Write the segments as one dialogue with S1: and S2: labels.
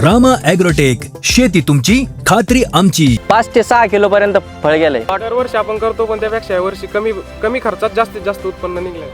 S1: Rama agrotech, शेती तुमची, खात्री आमची.
S2: 5 ते 6 किलो पर्यंत फळ गेलंय.
S3: दरवर्षी आपण करतो, पण त्यापेक्षा यावर्षी कमी खर्चात जास्तीत जास्त उत्पन्न निघलंय.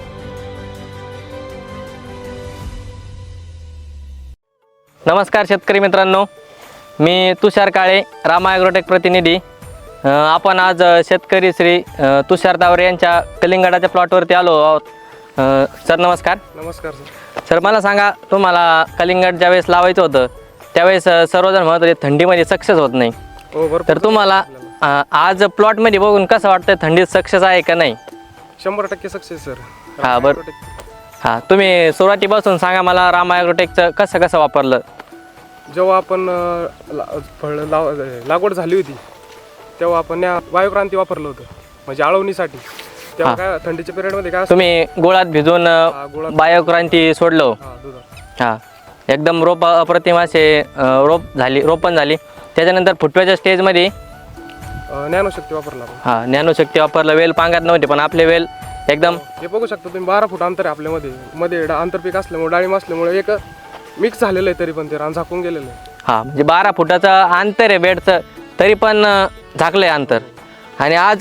S2: नमस्कार शेतकरी मित्रांनो, मी तुषार काळे, रामा ॲग्रोटेक प्रतिनिधी. आपण आज शेतकरी श्री तुषार तावरे यांच्या कलिंगडाच्या प्लॉटवरती आलो आहोत. सर नमस्कार.
S3: नमस्कार सर.
S2: सर मला सांगा, तुम्हाला कलिंगड ज्यावेळेस लावायचं होतं त्यावेळेस सर्वजण म्हणत होते थंडीमध्ये सक्सेस होत नाही.
S3: हो, भरपूर.
S2: तर तुम्हाला आज प्लॉटमध्ये बघून कसं वाटतं, थंडीत सक्सेस आहे का नाही?
S3: 100% सक्सेस सर.
S2: हां बरं. हां, तुम्ही सुरुवातीपासून सांगा मला, रामा ॲग्रोटेकचं कसं वापरलं?
S3: जेव्हा आपण फळ लागवड झाली होती तेव्हा आपण वायुक्रांती वापरलं होतं, म्हणजे आळवणीसाठी. तेव्हा काय थंडीच्या पिरियडमध्ये काय
S2: तुम्ही गुळात भिजून बायोक्रांती सोडलं.
S3: दुधात.
S2: हां, एकदम रोप अप्रतिम असे रोपण झाली. त्याच्यानंतर फुटव्याच्या स्टेजमध्ये
S3: ज्ञानशक्ती वापरला आपण.
S2: हां, ज्ञानशक्ती वापरलं. वेल पांगत नव्हते, पण आपले वेल एकदम
S3: हे बघू शकता तुम्ही, 12 फूट अंतर आहे आपल्यामध्ये. आंतरपीक असल्यामुळे, डाळिंब असल्यामुळे एक मिक्स झालेलं आहे, तरी पण ते रान झाकून गेलेलं आहे.
S2: हां, म्हणजे 12 फुटाचं अंतर आहे बेडचं, तरी पण झाकलं आहे अंतर. आणि आज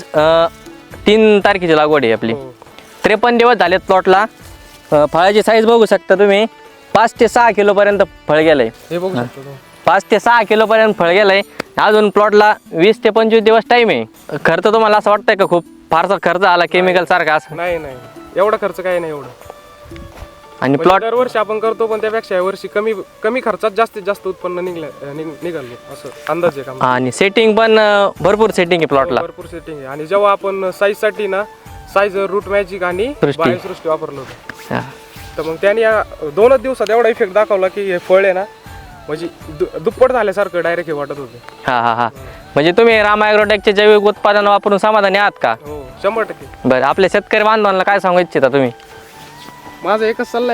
S2: 3 तारखेची लागवड आहे आपली. 53 दिवस झालेत प्लॉटला. फळाची साईज बघू शकता तुम्ही, 5 ते 6 किलोपर्यंत फळ गेलं आहे.
S3: हे बघू शकता तुम्ही,
S2: 5 ते 6 किलोपर्यंत फळ गेलं आहे. अजून प्लॉटला 20 ते 25 दिवस टाईम आहे. खर्च तुम्हाला असं वाटतंय का खूप फारसा खर्च आला केमिकल सारखा असं?
S3: नाही एवढा खर्च काही नाही एवढं.
S2: आणि प्लॉट
S3: दरवर्षी आपण करतो, पण त्यापेक्षा यावर्षी कमी खर्चात जास्तीत जास्त उत्पन्न निघालं असं अंदाज आहे.
S2: आणि सेटिंग पण भरपूर सेटिंग आहे प्लॉटला.
S3: भरपूर सेटिंग आहे. आणि जेव्हा आपण साईजसाठी ना रूट मॅजिक आणि बायोसृष्टी वापरलं होतं, तर मग त्याने 2च दिवसात एवढा इफेक्ट दाखवला की हे फळ आहे ना, म्हणजे दुप्पट झाल्यासारखं डायरेक्ट हे वाटत होतं.
S2: हा. म्हणजे तुम्ही रामा ॲग्रोटेकचे जैविक उत्पादन वापरून समाधानी आहात का?
S3: हो, 100%.
S2: बरं, आपल्या शेतकरी बांधवांना काय सांगू इच्छिता तुम्ही?
S3: माझा एकच सल्ला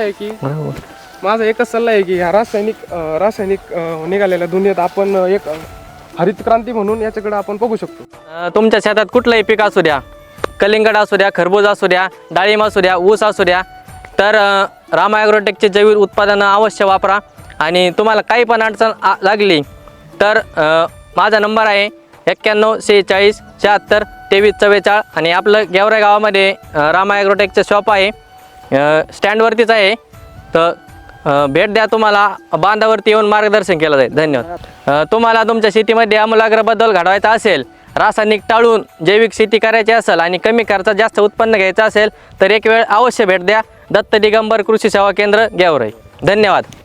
S3: आहे की ह्या रासायनिक निघालेल्या दुनियेत आपण एक हरित क्रांती म्हणून याच्याकडे आपण बघू शकतो.
S2: तुमच्या शेतात कुठलंही पीक असू द्या, कलिंगड असू द्या, खरबूज असू द्या, डाळिंब असू द्या, ऊस असू द्या, तर रामा ॲग्रोटेकचे जैविक उत्पादनं अवश्य वापरा. आणि तुम्हाला काही पण अडचण लागली तर माझा नंबर आहे 91 46 76 23 44. आणि आपलं गेवराई गावामध्ये रामा ॲग्रोटेकचं शॉप आहे, स्टँडवरतीच आहे. तर भेट द्या, तुम्हाला बांधावरती येऊन मार्गदर्शन केलं जाईल. धन्यवाद. तुम्हाला तुमच्या शेतीमध्ये आमूलाग्र बदल घडवायचा असेल, रासायनिक टाळून जैविक शेती करायची असेल आणि कमी खर्चात जास्त उत्पन्न घ्यायचं असेल तर एक वेळ अवश्य भेट द्या दत्त दिगंबर कृषी सेवा केंद्र गेवराई. धन्यवाद.